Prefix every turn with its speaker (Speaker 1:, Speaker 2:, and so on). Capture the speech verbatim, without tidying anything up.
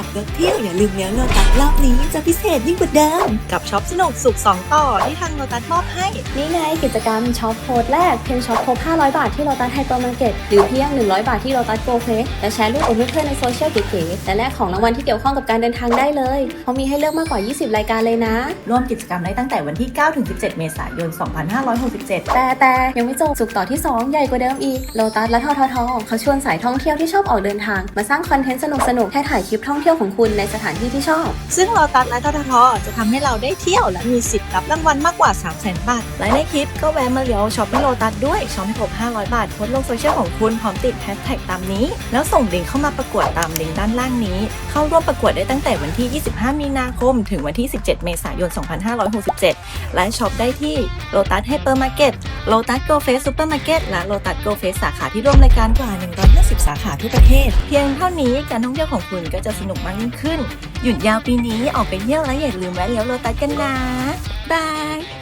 Speaker 1: ขับรถเที่ยวอย่าลืมเลี้ยวโลตัสรอบนี้จะพิเศษยิ่งกว่าเดิมกับช็อปสนุกสุขสองต่อที่ทางโลตัสมอบให้
Speaker 2: นี่ไงกิจกรรมช็อปโค้ดแรกเพียงช็อปครบห้าร้อยบาทที่โลตัสไฮเปอร์มาร์เก็ตหรือเพียงหนึ่งร้อยบาทที่โลตัสโกเฟสและแชร์รูปกับเพื่อนๆในโซเชียลเก๋ๆและแลกของรางวัลที่เกี่ยวข้องกับการเดินทางได้เลยเขามีให้เลือกมากกว่ายี่สิบรายการเลยนะ
Speaker 3: ร่วมกิจกรรมได้ตั้งแต่วันที่เก้าถึงสิบเจ็ดเมษายนสองพันห้าร้อยหกสิบเจ็ด
Speaker 2: แต่แต่ยังไม่จบสุกต่อที่สองใหญ่กว่าเดิมอีกโลตัสและทททเขาชวนสายท่องเที่ยวที่ชอบออกเดินทางมาสร้างคอนเทนต์สนุกๆแค่ถ่ายคลิปท่องเที่ยวของคุณในสถานที่ที่ชอบ
Speaker 1: ซึ่งโลตัสและทททจะทำให้เราได้เที่ยวและมีสิทธิ์รับรางวัลมากกว่า สามแสน บาท
Speaker 3: และในคลิปก็แวะมาเลี้ยวช็อปที่โลตัสด้วยช็อปให้ครบห้าร้อยบาทโพสต์ลงโซเชียลของคุณพร้อมติดแฮชแท็กตามนี้แล้วส่งลิงก์เข้ามาประกวดตามลิงก์ด้านล่างนี้เข้าร่วมประกวดได้ตั้งแต่วันที่ยี่สิบห้ามีนาคมถึงวันที่สิบเจ็ดเมษายนสองพันห้าร้อยหกสิบเจ็ดและช็อปได้ที่โลตัสไฮเปอร์มาร์เก็ตโลตัสโกเฟสซูเปอร์มาร์เก็ตและโลตัสโกเฟสสาขาที่ร่วมรายการกว่าหนึ่งร้อยห้าสิบสาขาทั่วประเทศเพียงเท่านี้การท่องเที่ยวของคุณก็จะสนุกมากยิ่งขึ้นหยุดยาวปีนี้ออกไปเที่ยวแล้วอย่าลืมแวะเลี้ยวโลตัสกันนะบาย